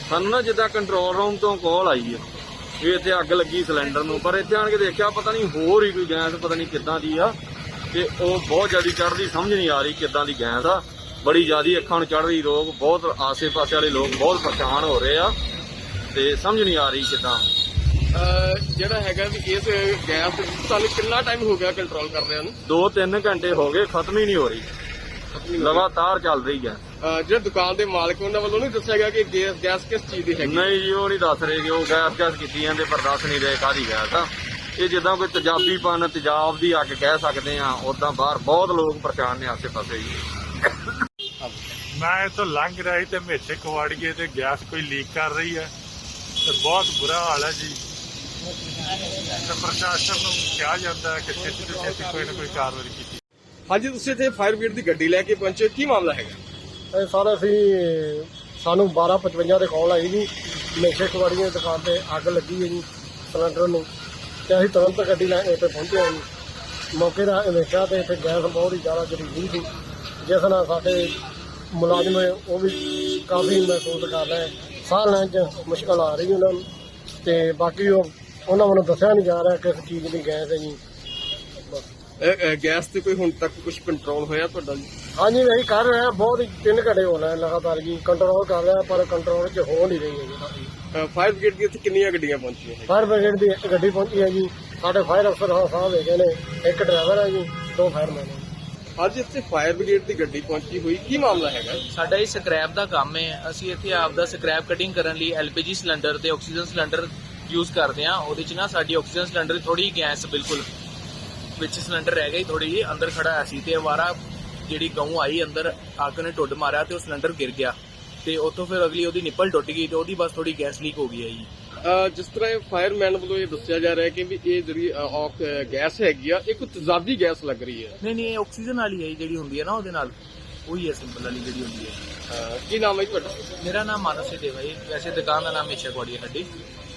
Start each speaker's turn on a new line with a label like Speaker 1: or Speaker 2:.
Speaker 1: ਸਾਨੂੰ ਨਾ ਜਿੱਦਾਂ ਕੰਟਰੋਲ ਰੂਮ ਤੋਂ ਕਾਲ ਆਈ ਹੈ ਵੀ ਇੱਥੇ ਅੱਗ ਲੱਗੀ ਸਿਲੰਡਰ ਨੂੰ, ਪਰ ਇੱਥੇ ਆਣ ਕੇ ਦੇਖਿਆ ਪਤਾ ਨਹੀਂ ਹੋਰ ਹੀ ਕੋਈ ਗੈਸ ਪਤਾ ਨਹੀਂ ਕਿੱਦਾਂ ਦੀ ਆ, ਤੇ ਉਹ ਬਹੁਤ ਜ਼ਿਆਦਾ ਚੜ੍ਹਦੀ, ਸਮਝ ਨਹੀਂ ਆ ਰਹੀ ਕਿੱਦਾਂ ਦੀ ਗੈਸ ਆ, ਬੜੀ ਜ਼ਿਆਦਾ ਅੱਖਾਂ ਨੂੰ ਚੜ੍ਹ ਰਹੀ। ਲੋਕ ਬਹੁਤ ਆਸੇ ਪਾਸੇ ਵਾਲੇ ਲੋਕ ਬਹੁਤ ਪਰੇਸ਼ਾਨ ਹੋ ਰਹੇ ਆ ਤੇ ਸਮਝ ਨਹੀਂ ਆ ਰਹੀ ਕਿੱਦਾਂ।
Speaker 2: ਜਿਹੜਾ ਹੈਗਾ ਵੀ ਇਸ ਗੈਸ ਤੁਹਾਨੂੰ ਕਿੰਨਾ ਟਾਈਮ ਹੋ ਗਿਆ ਕੰਟਰੋਲ ਕਰਦਿਆਂ ਨੂੰ?
Speaker 1: 2-3 ਘੰਟੇ ਹੋ ਗਏ, ਖਤਮ ਹੀ ਨਹੀਂ ਹੋ ਰਹੀ, ਲਗਾਤਾਰ ਚੱਲ ਰਹੀ ਹੈ।
Speaker 2: ਜਿਹੜਾ ਦੁਕਾਨ ਦੇ ਮਾਲਕ ਉਹਨਾਂ ਵੱਲੋਂ ਨਹੀਂ ਦੱਸਿਆ ਗਿਆ ਕਿ ਗੈਸ ਕਿਸ ਚੀਜ਼ ਦੀ ਹੈਗੀ?
Speaker 1: ਨਹੀਂ ਜੀ, ਉਹ ਨਹੀਂ ਦੱਸ ਰਹੇ ਕਿ ਉਹ ਗੈਸ ਕੀਤੀ ਜਾਂਦੇ, ਪਰ ਦੱਸ ਨਹੀਂ ਰਹੇ ਕਾਹਦੀ ਗੈਸ ਆ। ਇਹ ਜਿੱਦਾਂ ਕੋਈ ਤੇਜ਼ਾਬੀਪਨ, ਤੇਜ਼ਾਬ ਦੀ ਅੱਗ ਕਹਿ ਸਕਦੇ ਆ, ਉਦਾਂ ਬਾਹਰ ਬਹੁਤ ਲੋਕ ਪਰੇਸ਼ਾਨ ਨੇ ਆਸੇ ਪਾਸੇ ਜੀ।
Speaker 3: ਮੈਂ ਇੱਥੋਂ ਲੰਘ ਰਿਹਾ ਤੇ ਮੇਥੇ ਕਵਾੜੀਏ ਤੇ ਗੈਸ ਕੋਈ ਲੀਕ ਕਰ ਰਹੀ ਹੈ ਤੇ ਬਹੁਤ ਬੁਰਾ ਹਾਲ ਹੈ ਜੀ। ਤੇ ਪ੍ਰਸ਼ਾਸਨ ਨੂੰ ਕਿਹਾ ਜਾਂਦਾ ਹੈ ਕਿ ਛੇਤੀ ਤੋਂ ਛੇਤੀ ਕੋਈ ਨਾ ਕੋਈ ਕਾਰਵਾਈ ਕੀਤੀ।
Speaker 2: ਹਾਂਜੀ, ਤੁਸੀਂ ਇੱਥੇ ਫਾਇਰ ਬ੍ਰਿਗੇਡ ਦੀ ਗੱਡੀ ਲੈ ਕੇ ਪਹੁੰਚੇ, ਕੀ ਮਾਮਲਾ ਹੈਗਾ?
Speaker 4: ਇਹ ਸਾਰਾ ਸਾਨੂੰ 12:55 ਦੇ ਕਾਲ ਆਈ ਜੀ, ਮੇਥੇ ਕੁਵਾੜੀਆਂ ਦੀ ਦੁਕਾਨ ਤੇ ਅੱਗ ਲੱਗੀ ਹੈ ਜੀ ਸਿਲੰਡਰ ਨੂੰ, ਤੇ ਅਸੀਂ ਤੁਰੰਤ ਗੱਡੀ ਲੈ ਕੇ ਇੱਥੇ ਪਹੁੰਚੇ ਹਾਂ ਜੀ। ਮੌਕੇ ਦਾ ਵੇਖਿਆ ਤੇ ਇੱਥੇ ਗੈਸ ਬਹੁਤ ਹੀ ਜ਼ਿਆਦਾ ਜ਼ਹਿਰੀਲੀ ਸੀ, ਜਿਸ ਨਾਲ ਸਾਡੇ ਮੁਲਾਜ਼ਮ ਉਹ ਵੀ ਕਾਫੀ ਮਹਿਸੂਸ ਕਰ ਰਹੇ, ਸਾਹ ਲੈਣ 'ਚ ਮੁਸ਼ਕਲ ਆ ਰਹੀ ਉਹਨਾਂ ਨੂੰ, ਤੇ ਬਾਕੀ ਉਹਨਾਂ ਵੱਲੋਂ ਦੱਸਿਆ ਨਹੀਂ ਜਾ ਰਿਹਾ ਕਿਸ ਚੀਜ਼ ਦੀ ਗੈਸ ਹੈ ਜੀ।
Speaker 2: ਗੈਸ ਤੇ ਕੋਈ ਹੁਣ ਤੱਕ ਕੁਝ ਕੰਟਰੋਲ ਹੋਇਆ ਤੁਹਾਡਾ ਜੀ?
Speaker 4: ਹਾਂਜੀ, ਅਸੀਂ ਕਰ ਰਹੇ ਹਾਂ, ਬਹੁਤ ਹੀ 3 ਘੰਟੇ ਹੋ ਰਹੇ ਲਗਾਤਾਰ ਜੀ, ਕੰਟਰੋਲ ਕਰ ਰਿਹਾ, ਪਰ ਕੰਟਰੋਲ 'ਚ ਹੋ ਨਹੀਂ ਰਹੀ ਹੈ ਜੀ।
Speaker 2: ਫਾਇਰ ਬ੍ਰਿਗੇਡ ਦੀ ਇੱਥੇ ਕਿੰਨੀਆਂ ਗੱਡੀਆਂ ਪਹੁੰਚੀਆਂ ਹੈ?
Speaker 4: ਫਾਇਰ ਬ੍ਰਿਗੇਡ ਦੀ ਇੱਕ ਗੱਡੀ ਪਹੁੰਚੀ ਹੈ ਜੀ, ਸਾਡੇ ਫਾਇਰ ਅਫਸਰ ਸਾਹਿਬ ਹੈਗੇ ਨੇ, ਇੱਕ ਡਰਾਈਵਰ ਹੈ ਜੀ, 2 ਫਾਇਰਮੈਨ ਨੇ।
Speaker 2: ਅੱਜ ਇੱਥੇ ਫਾਇਰ ਬ੍ਰਿਗੇਡ ਦੀ ਗੱਡੀ ਪਹੁੰਚੀ ਹੋਈ, ਕੀ ਮਾਮਲਾ ਹੈਗਾ?
Speaker 5: ਸਾਡਾ ਇਹ ਸਕ੍ਰੈਪ ਦਾ ਕੰਮ ਹੈ। ਅਸੀਂ ਇੱਥੇ ਆਪ ਦਾ ਸਕ੍ਰੈਪ ਕਟਿੰਗ ਕਰਨ ਲਈ LPG ਸਿਲੰਡਰ ਤੇ ਆਕਸੀਜਨ ਸਿਲੰਡਰ ਯੂਜ਼ ਕਰਦੇ ਹਾਂ। ਉਹਦੇ 'ਚ ਨਾ ਸਾਡੀ ਆਕਸੀਜਨ ਸਿਲੰਡਰ ਥੋੜੀ ਗੈਸ ਬਿਲਕੁਲ ਵਿੱਚ ਸਿਲੰਡਰ ਰਹਿ ਗਈ, ਥੋੜੀ ਜਿਹੀ ਅੰਦਰ ਖੜਾ ਹੋਇਆ ਸੀ, ਤੇ ਅਵਾਰਾ ਜਿਹੜੀ ਗਊ ਆਈ ਅੰਦਰ, ਅੱਗ ਨੇ ਟੁੱਟ ਮਾਰਿਆ ਤੇ ਉਹ ਸਿਲੰਡਰ ਗਿਰ ਗਿਆ, ਤੇ ਉੱਥੋਂ ਫਿਰ ਅਗਲੀ ਉਹਦੀ ਨਿੱਪਲ ਟੁੱਟ ਗਈ ਤੇ ਉਹਦੀ ਬਸ ਥੋੜੀ ਗੈਸ ਲੀਕ ਹੋ ਗਈ ਹੈ ਜੀ।
Speaker 2: ਜਿਸ ਤਰ੍ਹਾਂ ਇਹ ਫਾਇਰਮੈਨ ਵੱਲੋਂ ਇਹ ਦੱਸਿਆ ਜਾ ਰਿਹਾ ਕਿ ਵੀ ਇਹ ਜਿਹੜੀ ਗੈਸ ਹੈਗੀ ਆ, ਇਹ ਕੋਈ ਤੇਜ਼ਾਬੀ ਗੈਸ ਲੱਗ ਰਹੀ ਹੈ।
Speaker 5: ਨਹੀਂ, ਇਹ ਆਕਸੀਜਨ ਵਾਲੀ ਹੈ ਜਿਹੜੀ ਹੁੰਦੀ ਹੈ ਨਾ, ਉਹਦੇ ਨਾਲ ਉਹੀ ਹੈ, ਸਿੰਪਲ ਵਾਲੀ ਜਿਹੜੀ ਹੁੰਦੀ ਹੈ।
Speaker 2: ਕੀ ਨਾਮ ਹੈ ਜੀ ਤੁਹਾਡਾ?
Speaker 5: ਮੇਰਾ ਨਾਮ ਮਾਨਸ ਦੇਵਾ ਜੀ, ਵੈਸੇ ਦੁਕਾਨ ਦਾ ਨਾਮ ਮੇਛਾ ਕੁਆੜੀ ਹੈ ਸਾਡੀ।